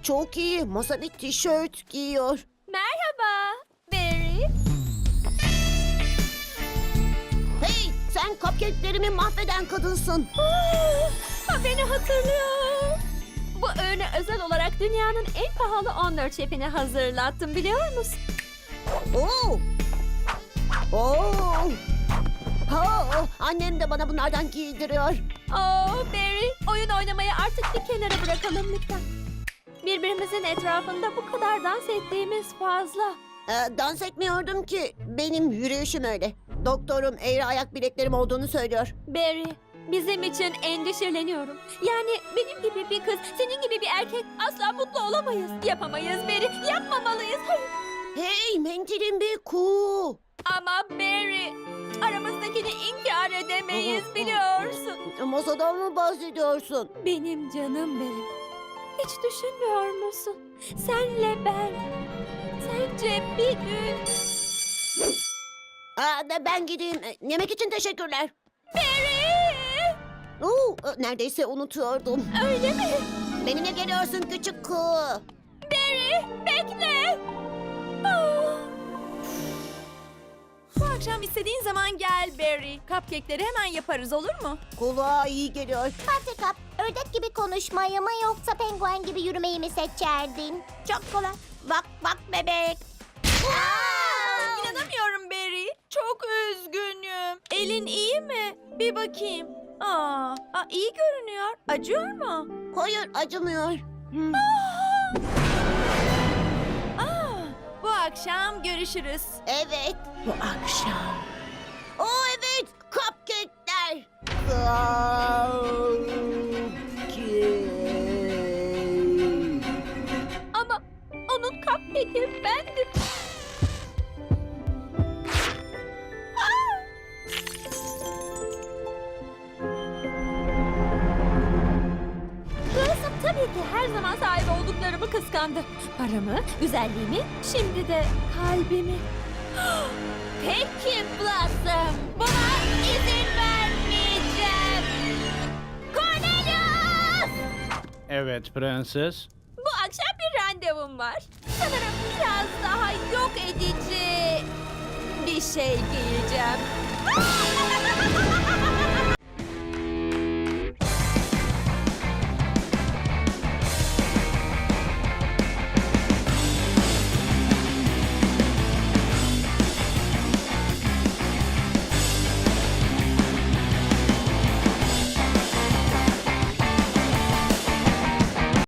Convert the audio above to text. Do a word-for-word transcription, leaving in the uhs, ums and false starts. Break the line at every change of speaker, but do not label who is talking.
çok iyi. Masa bir tişört giyiyor.
Merhaba Barry.
Hey, sen cupcake'lerimi mahveden kadınsın.
Ha, beni hatırlıyor. Bu öğüne özel olarak dünyanın en pahalı on dört şefini hazırlattım, biliyor musun?
Oo. Oo. Ha, annem de bana bunlardan giydiriyor.
Oh Barry, oyun oynamayı artık bir kenara bırakalım lütfen. Birbirimizin etrafında bu kadar dans ettiğimiz fazla.
Ee, dans etmiyordum ki. Benim yürüyüşüm öyle. Doktorum eğri ayak bileklerim olduğunu söylüyor.
Barry, bizim için endişeleniyorum. Yani benim gibi bir kız, senin gibi bir erkek asla mutlu olamayız. Yapamayız Barry, yapmamalıyız. Hayır.
Hey, mendilim bir kuğu.
Ama Barry, aramızdakini inkar edemeyiz, biliyorsun.
Masadan mı bahsediyorsun?
Benim canım benim. Hiç düşünmüyor musun? Senle ben. Sence bir gün...
Aa, da ben gideyim. Ee, Yemek için teşekkürler.
Barry!
Oo, e, neredeyse unutuyordum.
Öyle mi?
Benimle geliyorsun küçük kuğu.
Barry, bekle! Ah!
Bu akşam istediğin zaman gel Barry. Cupcake'leri hemen yaparız, olur mu?
Kulağa iyi geliyor.
Buttercup, ördek gibi konuşmayı mı yoksa penguen gibi yürümeyi mi seçerdin?
Çok kolay.
Bak bak bebek.
İnanamıyorum Barry. Çok üzgünüm. Elin iyi mi? Bir bakayım. Aa, aa iyi görünüyor. Acıyor mu?
Hayır, acımıyor. Hmm.
Aa, bu akşam görüşürüz.
Evet.
Bu akşam.
Oo evet, cupcake'ler. Cupcake.
Ama onun cupcake'i bendim. Ah! Wilson tabii ki her zaman sahip olduklarımı kıskandı. Paramı, güzelliğimi, şimdi de kalbimi. Peki Blossom, buna izin vermeyeceğim. Cornelius!
Evet prenses.
Bu akşam bir randevum var. Sanırım biraz daha yok edici bir şey giyeceğim.